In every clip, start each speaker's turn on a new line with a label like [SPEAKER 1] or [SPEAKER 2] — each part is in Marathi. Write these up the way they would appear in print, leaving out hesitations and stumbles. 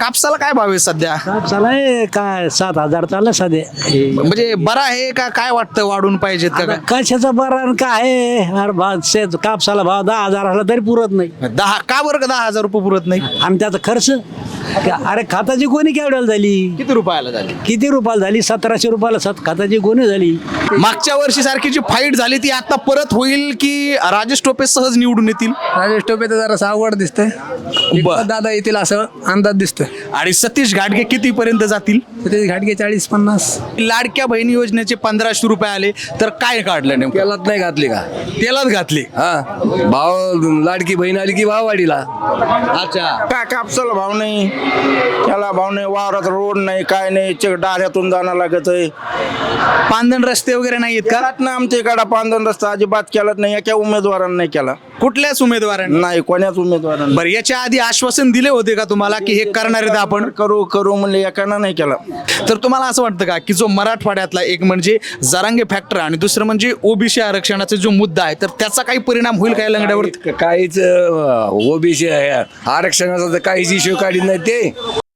[SPEAKER 1] कापसाला काय भाव आहे सध्या?
[SPEAKER 2] कापसाला काय 7,000 चाललं सध्या.
[SPEAKER 1] म्हणजे बरा आहे का काय वाटतं वाढून पाहिजेत का?
[SPEAKER 2] कशाचा बरा आणि काय आहे? अरे कापसाला भाव 10,000 आला तरी पुरत नाही.
[SPEAKER 1] 10 का बरं का 10,000 रुपये पुरत नाही?
[SPEAKER 2] आणि त्याचा खर्च अरे खताची गोणी केवढ्याला झाली?
[SPEAKER 1] किती रुपयाला झाली?
[SPEAKER 2] किती रुपयाला झाली? 1,700 रुपयाला खताची गोणी झाली.
[SPEAKER 1] मागच्या वर्षी सारखी जी फाईट झाली ती आता परत होईल की राजेश टोपे सहज निवडून येतील?
[SPEAKER 3] राजेश टोपे तर जरा अवघड दिसतंय. दादा येतील असं अंदाज दिसतोय.
[SPEAKER 1] आणि सतीश घाटगे किती पर्यंत जातील?
[SPEAKER 3] ते घाटगे 40-50.
[SPEAKER 1] लाडक्या बहिणी योजनेचे 1,500 रुपये आले तर काय काढलं नेमकं?
[SPEAKER 3] तेलात नाही घातली का?
[SPEAKER 1] तेलात घातले.
[SPEAKER 3] हा भाव लाडकी बहीण आली की भाव वाढीला.
[SPEAKER 1] अच्छा.
[SPEAKER 4] काय कापसाला भाव नाही, त्याला भाव नाही, वावरात रोड नाही, काय नाही, डाऱ्यातून जाणं लागत आहे.
[SPEAKER 1] पांदण रस्ते वगैरे नाही आहेत का?
[SPEAKER 4] केलात ना आमच्या इकडं पांधन रस्ता अजिबात केलाच नाही, एका उमेदवारांना नाही केला.
[SPEAKER 1] कुठल्याच उमेदवारांनी?
[SPEAKER 4] नाही, कोण्याच उमेदवारांना.
[SPEAKER 1] बरं, याच्या आधी आश्वासन दिले होते का तुम्हाला की हे करणार आहेत आपण?
[SPEAKER 4] करू करू म्हणले, एकानं नाही केला.
[SPEAKER 1] तर तुम्हाला असं वाटतं का की जो मराठवाड्यातला एक म्हणजे जरांगे फॅक्टर आणि दुसरं म्हणजे ओबीसी आरक्षणाचा जो मुद्दा आहे तर त्याचा काही परिणाम होईल काय लंगड्यावर?
[SPEAKER 3] काहीच ओबीसी आरक्षणाचा तर काहीच इश्यू काढीत नाही ते.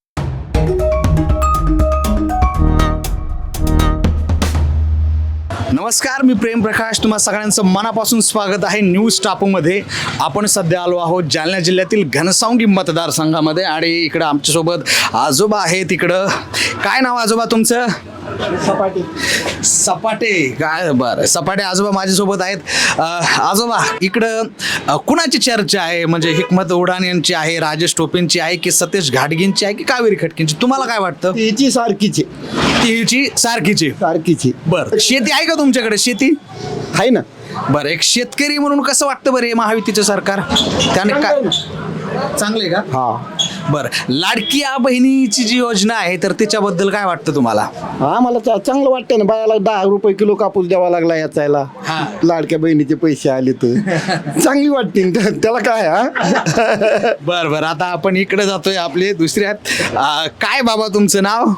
[SPEAKER 1] नमस्कार, मी प्रेम प्रकाश, तुम्हा सगळ्यांचं मनापासून स्वागत आहे न्यूज टापूमध्ये. आपण सध्या आलो आहोत जालना जिल्ह्यातील घनसावंगी मतदारसंघामध्ये आणि इकडं आमच्यासोबत आजोबा आहेत. इकडं काय नाव आजोबा तुमचं? सपाटे. काय बरं, सपाटे आजोबा माझ्यासोबत आहेत. आजोबा, इकडं कुणाची चर्चा आहे? म्हणजे हिकमत उडान यांची आहे, राजेश टोपेंची आहे की सतीश घाटगेंची आहे की कावेरी खटकेंची? तुम्हाला काय वाटतं?
[SPEAKER 4] तिची सारखीची
[SPEAKER 1] तिची सारखीची.
[SPEAKER 4] सारखीची
[SPEAKER 1] बरं, शेती आहे का तुमच्याकडे? शेती
[SPEAKER 4] आहे ना.
[SPEAKER 1] बरं, एक शेतकरी म्हणून कसं वाटतं बरं हे महायुतीचं सरकार? त्याने काय चांगले का?
[SPEAKER 4] हा
[SPEAKER 1] बरं, लाडकी बहिणीची जी योजना आहे तर त्याच्याबद्दल काय वाटतं तुम्हाला?
[SPEAKER 4] हा मला चांगलं वाटतं ना. बायाला 10 रुपये किलो कापूस द्यावा लागला याचायला.
[SPEAKER 1] हा.
[SPEAKER 4] लाडक्या बहिणीचे पैसे आले तर चांगली वाटते. त्याला काय हा.
[SPEAKER 1] बरं बरं, आता आपण इकडे जातोय आपले दुसऱ्यात. काय बाबा तुमचं नाव?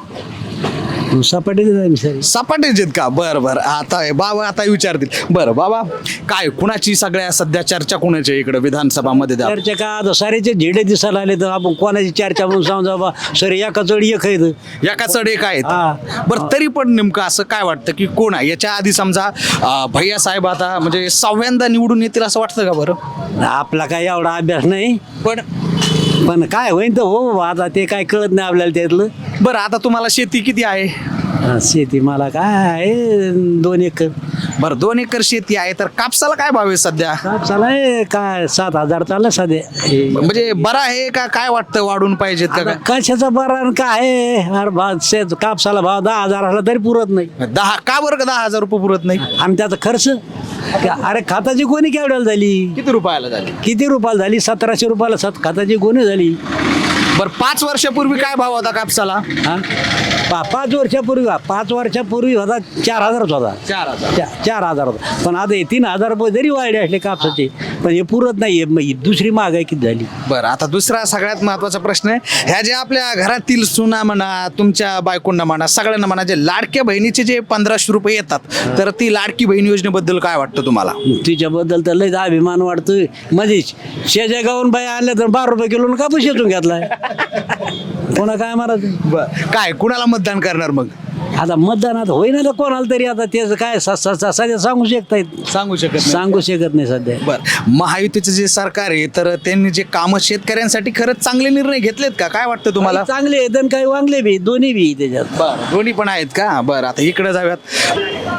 [SPEAKER 2] सपाटी
[SPEAKER 1] सपाटेच आहेत का? बरं बरं, आता बाबा आता विचारतील. बरं बाबा, काय कुणाची सगळ्या सध्या चर्चा कुणाची इकडे विधानसभामध्ये?
[SPEAKER 2] चर्चा का आता सारेचे झेडे दिसायला आले तर आपण कोणाची चर्चा म्हणून समजा बा सर एका चढी एक आहे.
[SPEAKER 1] एका चढ एक आहेत.
[SPEAKER 2] हा.
[SPEAKER 1] बरं, तरी पण नेमकं असं काय वाटतं की कोण आहे? याच्या आधी समजा भैया साहेब आता म्हणजे 6व्यांदा निवडून येतील असं वाटतं का बरं?
[SPEAKER 2] आपला काय एवढा अभ्यास नाही, पण काय होईन तर हो, आता ते काय कळत नाही आपल्याला त्यातलं.
[SPEAKER 1] बरं, आता तुम्हाला शेती किती आहे?
[SPEAKER 2] शेती मला काय आहे 2 एकर.
[SPEAKER 1] बरं, 2 एकर शेती आहे तर कापसाला काय भाव आहे सध्या?
[SPEAKER 2] कापसाला काय 7,000 चाललं सध्या.
[SPEAKER 1] म्हणजे बरा आहे का काय वाटतं वाढून पाहिजेत का?
[SPEAKER 2] कशाचा बरा आणि काय आहे? अरे कापसाला भाव 10,000 आला तरी पुरत नाही.
[SPEAKER 1] 10 का बरं का 10,000 रुपये पुरत नाही?
[SPEAKER 2] आणि त्याचा खर्च अरे खताची गोणी केवढ्याला झाली?
[SPEAKER 1] किती रुपयाला झाली?
[SPEAKER 2] किती रुपयाला झाली? 1,700 रुपयाला खताची गोणी झाली.
[SPEAKER 1] बरं, 5 वर्षापूर्वी काय भाव होता कापसाला?
[SPEAKER 2] हा 5 वर्षापूर्वी 5 वर्षापूर्वी होता 4,000 होता.
[SPEAKER 1] 4,000.
[SPEAKER 2] 4,000 होता. पण आता हे 3,000 रुपये जरी वाढले असले कापसाचे पण हे पुरत नाही. दुसरी महागाई किती झाली?
[SPEAKER 1] बरं, आता दुसरा सगळ्यात महत्त्वाचा प्रश्न आहे. ह्या जे आपल्या घरातील सुना म्हणा, तुमच्या बायकोंना म्हणा, सगळ्यांना म्हणा, जे लाडक्या बहिणीचे जे 1,500 रुपये येतात तर ती लाडकी बहीण योजनेबद्दल काय वाटतं तुम्हाला?
[SPEAKER 2] तिच्याबद्दल तर लयच अभिमान वाटतोय. म्हणजे शेजा गावून बाई आणल्या तर 12 रुपये किलो कापूस येतून घेतलाय. कोणा काय मारायचं?
[SPEAKER 1] बरं, काय कुणाला मतदान करणार मग?
[SPEAKER 2] आता मतदानात होईना तर कोणाला तरी. आता त्याचं काय सध्या सांगू शकतायत?
[SPEAKER 1] सांगू शकत नाही.
[SPEAKER 2] सांगू शकत नाही सध्या.
[SPEAKER 1] बरं, महायुतीचं जे सरकार आहे तर त्यांनी जे कामं शेतकऱ्यांसाठी खरंच चांगले निर्णय घेतलेत का? काय वाटतं तुम्हाला?
[SPEAKER 2] चांगले आहेत आणि काही वांगले बी, दोन्ही बी त्याच्यात.
[SPEAKER 1] बरं, दोन्ही पण आहेत का? बरं, आता इकडे जाऊयात.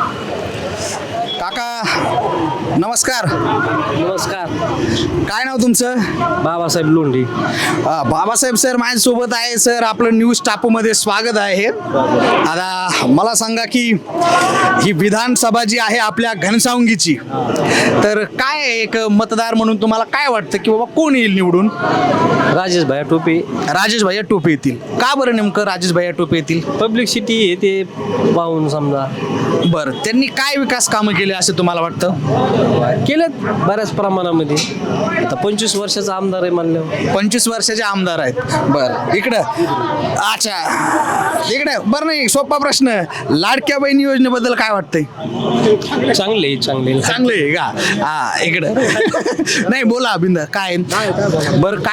[SPEAKER 1] काका नमस्कार.
[SPEAKER 2] नमस्कार.
[SPEAKER 1] काय नाव तुमचं?
[SPEAKER 2] बाबासाहेब लोंढे.
[SPEAKER 1] बाबासाहेब सर माझ्यासोबत आहे. सर, आपलं न्यूज टापूमध्ये स्वागत आहे. आता मला सांगा की ही विधानसभा जी आहे आपल्या घनसावंगीची तर काय एक मतदार म्हणून तुम्हाला काय वाटतं की बाबा कोण येईल निवडून?
[SPEAKER 2] राजेश भैया टोपे.
[SPEAKER 1] राजेश भैया टोपे येतील का बरं? नेमकं राजेश भैया टोपे येतील?
[SPEAKER 2] पब्लिक सिटी आहे ते पाहून समजा.
[SPEAKER 1] बरं, त्यांनी काय विकास कामं केले असं तुम्हाला वाटतं?
[SPEAKER 2] केलेत बऱ्याच प्रमाणामध्ये. आता 25 वर्षाचा आमदार आहे म्हणल्यावर.
[SPEAKER 1] 25 वर्षाचे आमदार आहेत. बरं, इकडं अच्छा इकडे बरं, नाही सोपा प्रश्न. लाडक्या बहिणी योजनेबद्दल काय वाटतंय?
[SPEAKER 2] चांगले
[SPEAKER 1] चांगले आहे का? हा, इकडं नाही बोला बिंदा. काय बरं, काय वाटतं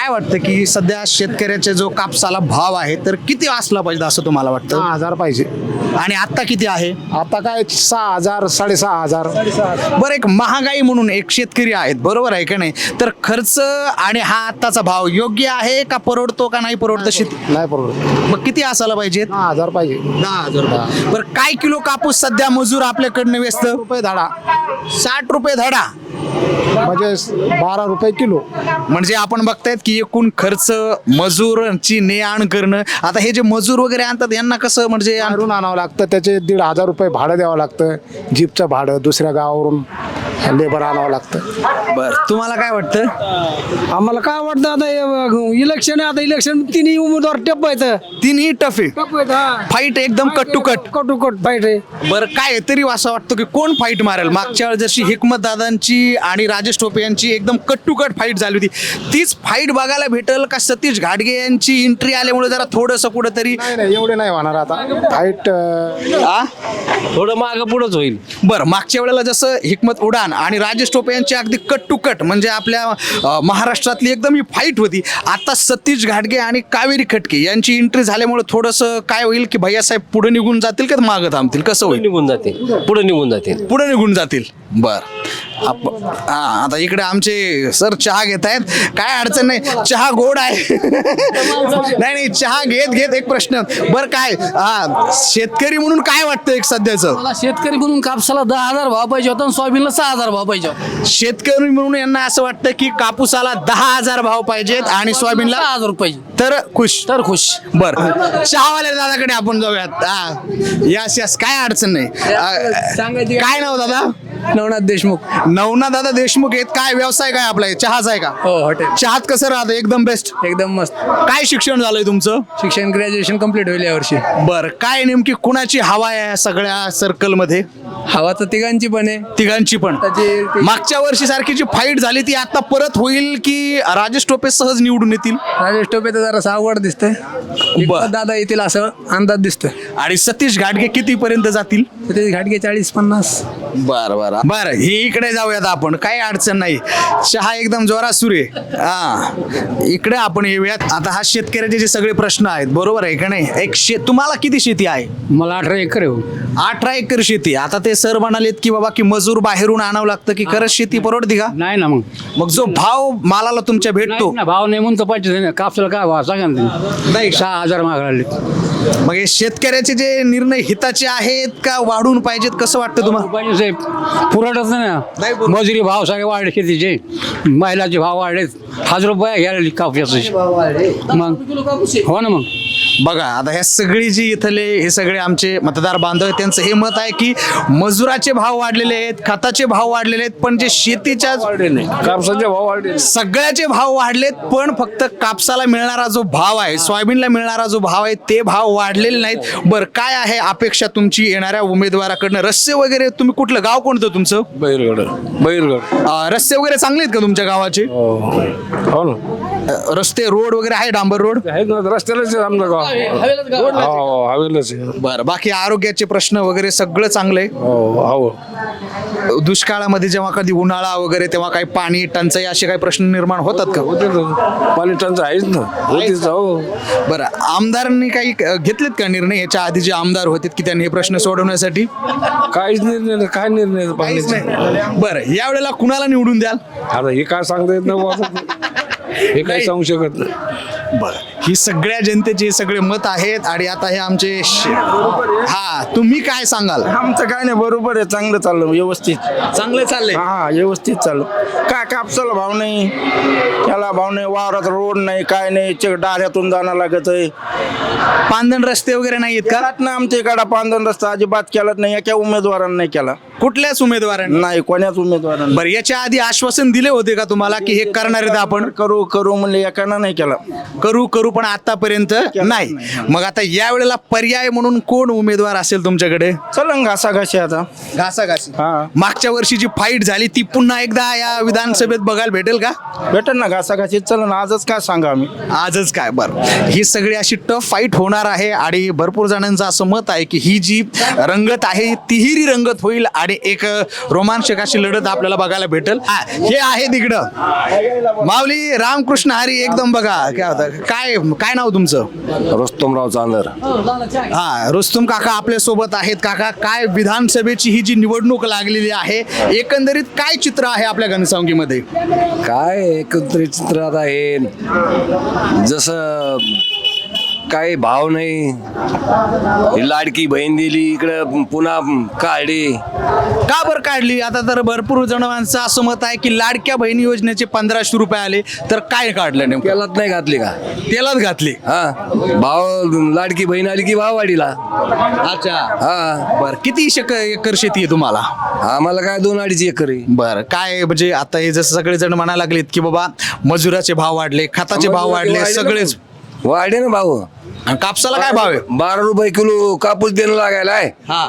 [SPEAKER 1] की सध्या शेतकऱ्याचे जो कापसाला भाव आहे तर किती असला पाहिजे असं तुम्हाला वाटतं?
[SPEAKER 5] 6,000 पाहिजे.
[SPEAKER 1] आणि आता किती आहे?
[SPEAKER 5] आता काय 6,000 6,500.
[SPEAKER 1] बरं, एक महागाई म्हणून एक शेतकरी आहेत, बरोबर आहे का नाही? तर खर्च आणि हा आत्ताचा भाव योग्य आहे का, परवडतो का नाही परवडतं शेती?
[SPEAKER 5] नाही परवडत.
[SPEAKER 1] मग किती असायला पाहिजे?
[SPEAKER 5] 10,000 पाहिजे.
[SPEAKER 1] 10,000 रुपये. बरं, काय किलो कापूस सध्या मजूर आपल्याकडनं वेचत?
[SPEAKER 5] रुपये धाडा
[SPEAKER 1] 60 रुपये धडा.
[SPEAKER 5] म्हणजे 12 रुपये किलो.
[SPEAKER 1] म्हणजे आपण बघतायत की एकूण खर्च मजूरची ने आण करणं. आता हे जे मजूर वगैरे आणतात यांना कसं म्हणजे
[SPEAKER 5] बाहेरून आणावं लागतं, त्याचे 1,500 रुपये भाडं द्यावं लागतं. जीपचं भाडं दुसऱ्या गावावरून लेबर आणावं लागतं.
[SPEAKER 1] बरं, तुम्हाला काय वाटतं?
[SPEAKER 6] आम्हाला काय वाटतं आता इलेक्शन आहे, आता इलेक्शन तिन्ही उमेदवार टप आहेत.
[SPEAKER 1] तिन्ही टफ आहे, फाईट एकदम कट टू कट.
[SPEAKER 6] कटोकट फाईट आहे.
[SPEAKER 1] बरं, काय तरी असं वाटतं की कोण फाईट मारेल? मागच्या वेळेस जशी हिकमत दादांची आणि राजेश टोपे यांची एकदम कट टू कट फाईट झाली होती, तीच फाईट बघायला भेटेल का सतीश घाटगे यांची एंट्री आल्यामुळे जरा थोडंसं कुठंतरी?
[SPEAKER 5] नाही एवढे नाही होणार आता फाईट.
[SPEAKER 1] आ?
[SPEAKER 2] थोडं मागं पुढंच होईल.
[SPEAKER 1] बरं, मागच्या वेळेला जसं हिकमत उडान आणि राजेश टोपे यांची अगदी कट टू कट म्हणजे आपल्या महाराष्ट्रातली एकदम ही फाईट होती. आता सतीश घाटगे आणि कावेरी खटके यांची एंट्री झाल्यामुळे थोडंसं काय होईल की भैयासाहेब पुढे निघून जातील का मागं थांबतील? कसं होईल?
[SPEAKER 2] निघून जातील, पुढे निघून जातील.
[SPEAKER 1] पुढे निघून जातील. बर, आता इकडे आमचे सर चहा घेत आहेत, काय अडचण नाही, चहा गोड आहे. नाही चहा घेत घेत एक प्रश्न, बर काय शेतकरी म्हणून काय वाटतं एक सध्याचं?
[SPEAKER 6] मला शेतकरी म्हणून कापसाला 10,000 भाव पाहिजे होता आणि सोयाबीनला 6,000 भाव पाहिजे होता.
[SPEAKER 1] शेतकरी म्हणून यांना असं वाटतं की कापूसाला 10,000 भाव पाहिजेत आणि सोयाबीनला
[SPEAKER 6] 6,000 पाहिजे
[SPEAKER 1] तर खुश.
[SPEAKER 6] तर खुश.
[SPEAKER 1] बर, चहावाल्या दादाकडे आपण जाऊयात. यस काय अडचण नाही. काय नाव दादा?
[SPEAKER 6] नवनाथ देशमुख.
[SPEAKER 1] नवनाथ दादा देशमुख आहेत. काय व्यवसाय काय आपला? चहाचा आहे का?
[SPEAKER 6] हो, हॉटेल.
[SPEAKER 1] चहात कसं राहतं? एकदम बेस्ट.
[SPEAKER 6] एकदम मस्त.
[SPEAKER 1] काय शिक्षण झालंय तुमचं?
[SPEAKER 6] शिक्षण ग्रॅज्युएशन कम्प्लीट होईल यावर्षी.
[SPEAKER 1] बर, काय नेमकी कुणाची हवा आहे या सगळ्या सर्कल मध्ये?
[SPEAKER 6] हवा तर तिघांची पण आहे.
[SPEAKER 1] तिघांची पण. मागच्या वर्षी सारखी जी फाईट झाली ती आता परत होईल की राजेश टोपे सहज निवडून येतील?
[SPEAKER 6] राजेश टोपे तर जरा अवघड दिसतंय. दादा येतील असं अंदाज दिसतोय.
[SPEAKER 1] आणि सतीश घाटगे किती पर्यंत जातील?
[SPEAKER 6] ते घाटगे 40-50.
[SPEAKER 1] बर, ही इकडे जाऊयात आपण, काही अडचण नाही. चहा एकदम जोरात सुरू आहे. इकडे आपण येऊयात. आता हा शेतकऱ्याचे जे सगळे प्रश्न आहेत, बरोबर आहे का नाही? तुम्हाला किती शेती आहे?
[SPEAKER 6] मला 18 एकर आहे.
[SPEAKER 1] 18 एकर शेती. आता ते सर म्हणालेत की बाबा की मजूर बाहेरून आणावं लागतं की खरंच शेती परवडते का?
[SPEAKER 6] नाही ना
[SPEAKER 1] मग जो भाव मालाला तुमच्या भेटतो,
[SPEAKER 6] भाव नाही म्हणून तर पाहिजे. कापसाला काय भाव सांगा ना तुम्ही.
[SPEAKER 1] नाही का?
[SPEAKER 6] 6,000 मागले.
[SPEAKER 1] मग हे शेतकऱ्याचे जे निर्णय हिताचे आहेत का वाढून पाहिजेत, कसं वाटतं तुम्हाला?
[SPEAKER 6] पाहिजे साहेब, पुरवठच नाही
[SPEAKER 1] नाही
[SPEAKER 6] ना.
[SPEAKER 1] पुरवत.
[SPEAKER 6] मजुरी भाव सगळे वाढले, शेतीचे महिलाचे भाव वाढलेत. 1,000 रुपये घ्यायला कापसाचे. मग हो ना. मग
[SPEAKER 1] बघा, आता ह्या सगळी जी इथले हे सगळे आमचे मतदार बांधव आहेत त्यांचं हे मत आहे की मजुराचे भाव वाढलेले आहेत, खताचे भाव वाढलेले आहेत, पण जे शेतीच्या
[SPEAKER 3] कापसाचे भाव वाढले.
[SPEAKER 1] सगळ्याचे भाव वाढलेत, पण फक्त कापसाला मिळणारा जो भाव आहे, सोयाबीनला मिळणारा जो भाव आहे ते भाव वाढलेले नाहीत. बरं, काय आहे अपेक्षा तुमची येणाऱ्या उमेदवाराकडनं? रस्ते वगैरे, तुम्ही कुठलं गाव कोणतं तुमचं?
[SPEAKER 3] बैलगड.
[SPEAKER 1] रस्ते वगैरे चांगले आहेत का तुमच्या गावाचे?
[SPEAKER 3] हो ना,
[SPEAKER 1] रस्ते रोड वगैरे आहे, डांबर रोड?
[SPEAKER 3] आहेत ना, रस्त्यालाच आहे आमचं गाव. हो, हवेलाच आहे.
[SPEAKER 1] बरं, बाकी आरोग्याचे प्रश्न वगैरे सगळं चांगलं आहे?
[SPEAKER 3] हो.
[SPEAKER 1] दुष्काळामध्ये जेव्हा कधी उन्हाळा वगैरे तेव्हा काही पाणी टंचाई असे काही प्रश्न निर्माण होतात का?
[SPEAKER 3] पाणी टंचाई आहेच ना. होतीच. हो.
[SPEAKER 1] बरं, आमदारांनी काही घेतलेत का निर्णय याच्या आधी जे आमदार होते की त्यांनी हे प्रश्न सोडवण्यासाठी?
[SPEAKER 3] काहीच निर्णय नाही. काय निर्णय नाही पाण्याचा.
[SPEAKER 1] बरं, यावेळेला कुणाला निवडून द्याल?
[SPEAKER 3] आता हे काय सांगता येत नाही बुवा. हे काय सांगू शकत नाही.
[SPEAKER 1] बरं, ही सगळ्या जनतेचे हे सगळे मत आहेत. आणि आता हे आमचे तुम्ही काय सांगाल?
[SPEAKER 4] आमचं काय नाही, बरोबर आहे, चांगलं चाललं, व्यवस्थित
[SPEAKER 1] चांगले चालले.
[SPEAKER 4] हा व्यवस्थित चाललं. काय कापसाला भाव नाही, त्याला भाव नाही, वावरात रोड नाही, काय नाही, डाऱ्यातून जाणं लागत आहे.
[SPEAKER 1] पांदण रस्ते वगैरे नाही आहेत का?
[SPEAKER 4] केलात ना आमच्या इकडं पांधन रस्ता अजिबात केलाच नाही, एका उमेदवारांना नाही केला.
[SPEAKER 1] कुठल्याच उमेदवारांनी
[SPEAKER 4] नाही, कोण्याच उमेदवारांना.
[SPEAKER 1] बरं, याच्या आधी आश्वासन दिले होते का तुम्हाला की हे करणार आहेत आपण?
[SPEAKER 4] करू म्हणले, एकानं नाही केला.
[SPEAKER 1] करू पण आतापर्यंत नाही. मग आता या वेळेला पर्याय म्हणून कोण उमेदवार असेल तुमच्याकडे?
[SPEAKER 4] चला घासाघाशी आता.
[SPEAKER 1] घासाघासी.
[SPEAKER 4] हा.
[SPEAKER 1] मागच्या वर्षी जी फाईट झाली ती पुन्हा एकदा या विधानसभेत बघायला भेटेल का?
[SPEAKER 4] भेटेल ना घासाघाशीत. चला ना आजच काय सांगा आम्ही.
[SPEAKER 1] आजच काय? बरं, ही सगळी अशी टफ फाईट होणार आहे आणि भरपूर जणांचं असं मत आहे की ही जी रंगत आहे तिहेरी रंगत होईल आणि एक रोमांचक अशी लढत आपल्याला बघायला भेटेल. हे आहे तिकडं माऊली रामकृष्ण हरी एकदम बघा काय होतं. काय काय नाव तुमचं?
[SPEAKER 3] रुस्तमराव चांदर.
[SPEAKER 1] हा, रुस्तुम काका आपल्या सोबत आहेत. काका, काय विधानसभेची ही जी निवडणूक लागलेली आहे एकंदरीत काय चित्र आहे आपल्या घनसावंगीमध्ये?
[SPEAKER 3] काय एकत्रित चित्रात आहे, जसं काही भाव नाही. ही लाडकी बहीण दिली इकडं पुन्हा काढली.
[SPEAKER 1] का बरं काढली? आता तर भरपूर जण माणसं असं मत आहे की लाडक्या बहिणी योजनेचे 1500 रुपये आले तर काय काढलं नेमकं?
[SPEAKER 3] तेलात नाही घातली का?
[SPEAKER 1] तेलात घातली.
[SPEAKER 3] हा, भाव लाडकी बहीण आली की भाव वाढीला.
[SPEAKER 1] अच्छा.
[SPEAKER 3] हा,
[SPEAKER 1] बर, किती एकर शेती आहे तुम्हाला?
[SPEAKER 3] आम्हाला काय 2-2.5 एकर आहे.
[SPEAKER 1] बरं, काय म्हणजे आता हे जसं सगळे जण म्हणायला लागलेत की बाबा मजुराचे भाव वाढले, खताचे भाव वाढले, सगळेच.
[SPEAKER 3] वाढे ना भाव.
[SPEAKER 1] आणि कापसाला काय भाव आहे?
[SPEAKER 3] 12 रुपये किलो कापूस देणं लागायला आहे.
[SPEAKER 1] हा.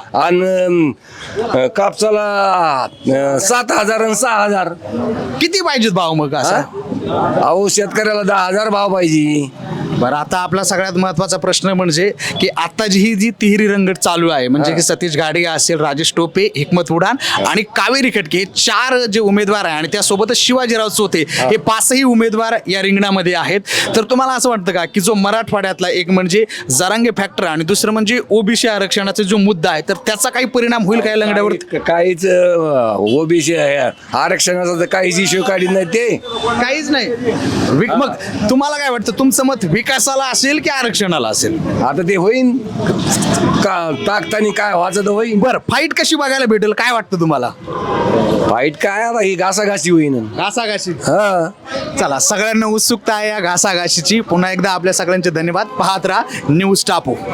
[SPEAKER 3] आणि कापसाला 7,000 आणि 6,000.
[SPEAKER 1] किती पाहिजेत भाव मग असं?
[SPEAKER 3] अहो शेतकऱ्याला 10,000 भाव पाहिजे.
[SPEAKER 1] बरं, आता आपला सगळ्यात महत्वाचा प्रश्न म्हणजे की आता ही जी तिहेरी रंगत चालू आहे म्हणजे की सतीश गाडगे असेल, राजेश टोपे, हिकमत उडान आणि कावेरी खटके हे 4 जे उमेदवार आहे आणि त्यासोबतच शिवाजीराव चोते हे 5ही उमेदवार या रिंगणामध्ये आहेत. तर तुम्हाला असं वाटतं का की जो मराठवाड्यातला एक म्हणजे जरांगे फॅक्टर आणि दुसरं म्हणजे ओबीसी आरक्षणाचा जो मुद्दा आहे तर त्याचा काही परिणाम होईल काय लंगड्यावर?
[SPEAKER 3] काहीच ओबीसी आरक्षणाचा तर काहीच इश्यू काढीत नाही ते.
[SPEAKER 1] काहीच नाही. मग तुम्हाला काय वाटतं, तुमचं मत विकासाला असेल की आरक्षणाला असेल?
[SPEAKER 3] आता ते होईन का टाकतानी काय व्हायचं तर होईन.
[SPEAKER 1] बरं, फाईट कशी बघायला भेटेल काय वाटतं तुम्हाला?
[SPEAKER 3] फाईट काय आता ही घासाघासी होईन.
[SPEAKER 1] घासाघाशी.
[SPEAKER 3] हा,
[SPEAKER 1] चला, सगळ्यांना उत्सुकता आहे या घासाघाशीची. पुन्हा एकदा आपल्या सगळ्यांचे धन्यवाद. पाहत राहा न्यूज टापू.